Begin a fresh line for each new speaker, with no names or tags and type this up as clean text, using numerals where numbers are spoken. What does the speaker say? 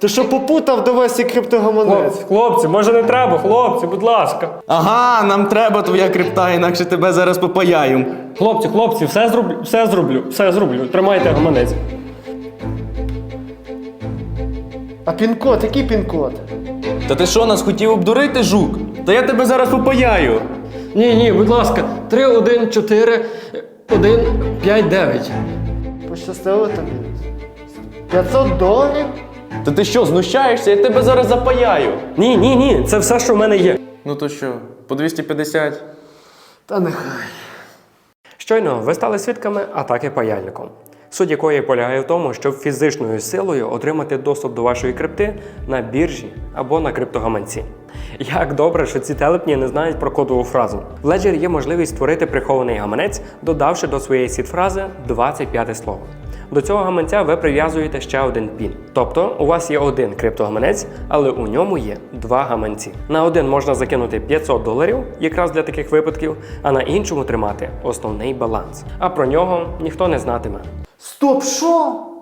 Ти що попутав до Весі криптогаманець?
Хлопці, може не треба, хлопці, будь ласка.
Ага, нам треба твоя крипта, інакше тебе зараз попаяю.
Хлопці, все зроблю. Тримайте гаманець.
А пін-код, який пін-код?
Та ти що, нас хотів обдурити, жук? Та я тебе зараз попаяю.
Ні, будь ласка, 3, 1, 4, 1, 5, 9.
Пощастило тобі? $500?
Та ти що, знущаєшся? Я тебе зараз запаяю.
Ні, це все, що в мене є.
Ну то що, по 250?
Та нехай.
Щойно ви стали свідками атаки паяльником, суть якої полягає в тому, щоб фізичною силою отримати доступ до вашої крипти на біржі або на криптогаманці. Як добре, що ці телепні не знають про кодову фразу. В Ledger є можливість створити прихований гаманець, додавши до своєї сід-фрази 25 слово. До цього гаманця ви прив'язуєте ще один пін. Тобто у вас є один криптогаманець, але у ньому є два гаманці. На один можна закинути $500, якраз для таких випадків, а на іншому тримати основний баланс. А про нього ніхто не знатиме.
Стоп, що?